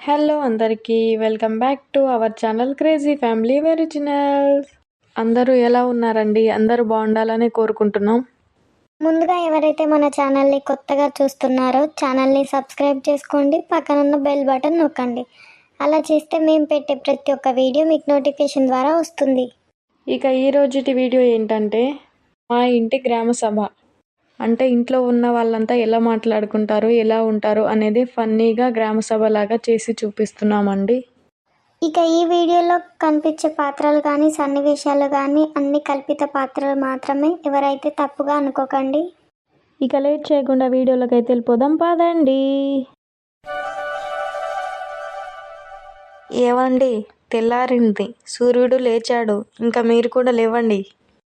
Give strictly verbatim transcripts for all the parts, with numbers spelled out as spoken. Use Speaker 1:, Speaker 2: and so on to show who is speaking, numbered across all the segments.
Speaker 1: Hello అందరికీ welcome back to our channel crazy family originals. అందరూ ఎలా ఉన్నారండి? అందరూ బాగుండాలని కోరుకుంటున్నాం.
Speaker 2: ముందుగా ఎవరైతే మన ఛానల్ని కొత్తగా చూస్తున్నారో ఛానల్ని సబ్స్క్రైబ్ చేసుకోండి, పక్కనున్న బెల్ బటన్ నొక్కండి. అలా చేస్తే మేము పెట్టే ప్రతి ఒక్క వీడియో మీకు నోటిఫికేషన్ ద్వారా వస్తుంది.
Speaker 1: ఇక ఈ రోజుటి వీడియో ఏంటంటే మా ఇంటి గ్రామ సభ. అంటే ఇంట్లో ఉన్న వాళ్ళంతా ఎలా మాట్లాడుకుంటారు, ఎలా ఉంటారు అనేది ఫన్నీగా గ్రామ సభ లాగా చేసి చూపిస్తున్నామండి.
Speaker 2: ఇక ఈ వీడియోలో కనిపించే పాత్రలు కానీ సన్నివేశాలు కానీ అన్ని కల్పిత పాత్రలు మాత్రమే, ఎవరైతే తప్పుగా అనుకోకండి.
Speaker 1: ఇక లేట్ చేయకుండా వీడియోలోకి అయితే వెళ్ళిపోదాం పదండి. ఏవండి, తెల్లారింది, సూర్యుడు లేచాడు, ఇంకా మీరు కూడా లేవండి.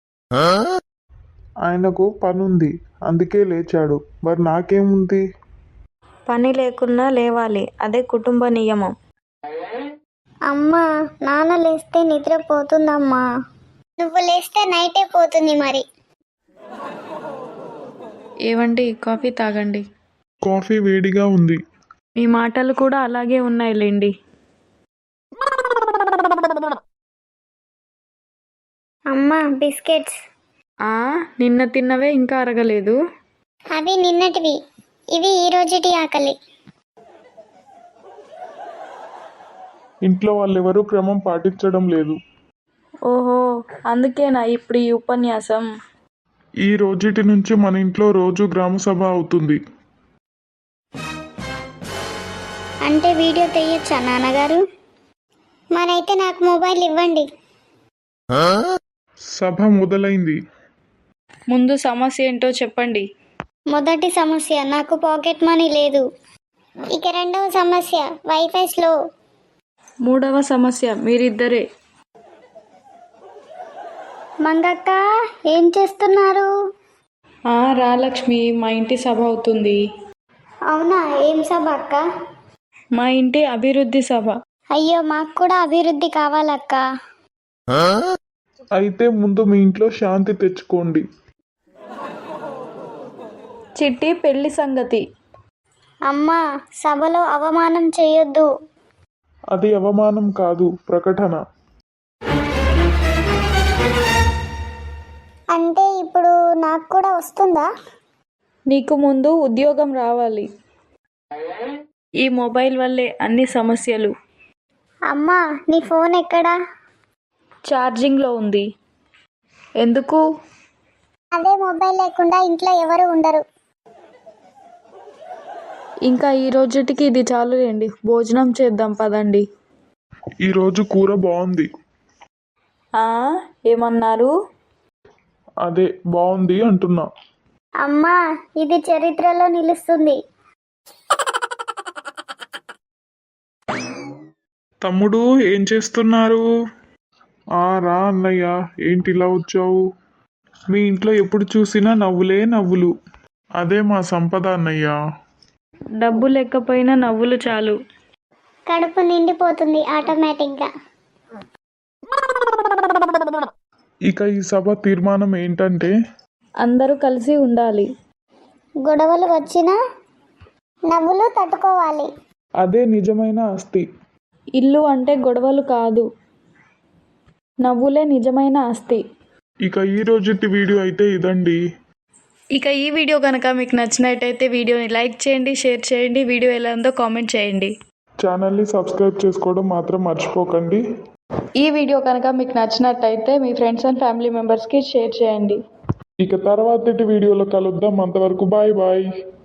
Speaker 3: ఆయనకు పనుంది, అందుకే లేచాడు. మరి నాకేముంది?
Speaker 1: పని లేకున్నా లేవాలి, అదే కుటుంబ నియమం.
Speaker 2: అమ్మా, నాన్న లేస్తే నిద్ర పోతుందమ్మా. నువ్వు లేస్తే నైటే పోతుంది. మరి
Speaker 1: ఏవండి, కాఫీ తాగండి.
Speaker 3: కాఫీ వేడిగా ఉంది.
Speaker 1: మీ మాటలు కూడా అలాగే ఉన్నాయిలేండి.
Speaker 2: అమ్మా, బిస్కెట్స్.
Speaker 1: ఆ నిన్న తిన్నవే ఇంకా అరగలేదు.
Speaker 2: అవి నిన్నటివి, ఇవి ఈ రోజుటి ఆకలి.
Speaker 3: ఇంట్లో వాళ్ళెవరూ క్రమం పాటించడం లేదు.
Speaker 1: ఓహో, అందుకేనా ఇప్పుడు ఈ ఉపన్యాసం?
Speaker 3: ఈ రోజుటి నుంచి మన ఇంట్లో రోజు గ్రామ సభ అవుతుంది.
Speaker 2: అంటే వీడియో తీయొచ్చా నాన్నగారు? మరైతే నాకు మొబైల్ ఇవ్వండి.
Speaker 3: సభ మొదలైంది.
Speaker 1: ముందు సమస్య ఏంటో చెప్పండి.
Speaker 2: మొదటి సమస్య, నాకు పాకెట్ మనీ లేదు. ఇక రెండవ సమస్య, వైఫై స్లో.
Speaker 1: మూడవ సమస్య, మీరిద్దరే.
Speaker 2: మంగక్క, ఏం చేస్తున్నారు?
Speaker 1: ఆ రా లక్ష్మి, మా ఇంటి సభ అవుతుంది.
Speaker 2: అవునా, ఏం సభ అక్క?
Speaker 1: మా ఇంటి అభివృద్ధి సభ.
Speaker 2: అయ్యో, మాకు కూడా అభివృద్ధి కావాలక్క.
Speaker 3: అయితే ముందు మీ ఇంట్లో శాంతి తెచ్చుకోండి.
Speaker 1: చిట్టి పెళ్లి సంగతి.
Speaker 2: అమ్మా, సభలో అవమానం చేయొద్దు.
Speaker 3: అది అవమానం కాదు, ప్రకటన.
Speaker 2: అంటే ఇప్పుడు నాకు కూడా వస్తుందా?
Speaker 1: నీకు ముందు ఉద్యోగం రావాలి. ఈ మొబైల్ వల్లే అన్ని సమస్యలు.
Speaker 2: అమ్మా, నీ ఫోన్ ఎక్కడా?
Speaker 1: ఛార్జింగ్లో ఉంది. ఎందుకు?
Speaker 2: అదే మొబైల్ లేకుండా ఇంట్లో ఎవరు ఉండరు.
Speaker 1: ఇంకా ఈ రోజుటికి ఇది చాలులేండి, భోజనం చేద్దాం పదండి.
Speaker 3: ఈరోజు కూర బాగుంది.
Speaker 1: ఆ ఏమన్నారు?
Speaker 3: అదే బాగుంది అంటున్నా.
Speaker 2: అమ్మా, ఇది చరిత్రలో నిలుస్తుంది.
Speaker 3: తమ్ముడు, ఏం చేస్తున్నారు? ఆ రా అన్నయ్య, ఏంటి ఇలా వచ్చావు? మీ ఇంట్లో ఎప్పుడు చూసినా నవ్వులే నవ్వులు. అదే మా సంపద అన్నయ్య.
Speaker 1: డబ్బు లేకపోయినా నవ్వులు చాలు.
Speaker 2: కడుపు నిండిపోతుంది ఆటోమేటిక్గా.
Speaker 3: ఇక ఈ సభ తీర్మానం ఏంటంటే
Speaker 1: అందరూ కలిసి ఉండాలి.
Speaker 2: గొడవలు వచ్చినా నవ్వులు తట్టుకోవాలి.
Speaker 3: అదే నిజమైన ఆస్తి.
Speaker 1: ఇల్లు అంటే గొడవలు కాదు, నవ్వులే నిజమైన ఆస్తి.
Speaker 3: ఇక ఈ రోజుటి వీడియో అయితే ఇదండి.
Speaker 1: ఇక ఈ వీడియో కనుక మీకు నచ్చినట్టయితే వీడియోని లైక్ చేయండి, షేర్ చేయండి, వీడియో ఎలా ఉందో కామెంట్ చేయండి.
Speaker 3: ఛానల్ని సబ్స్క్రైబ్ చేసుకోవడం మాత్రం మర్చిపోకండి.
Speaker 1: ఈ వీడియో కనుక మీకు నచ్చినట్టయితే మీ ఫ్రెండ్స్ అండ్ ఫ్యామిలీ మెంబర్స్కి షేర్ చేయండి.
Speaker 3: ఇక తర్వాతటి వీడియోలో కలుద్దాం. అంతవరకు బాయ్ బాయ్.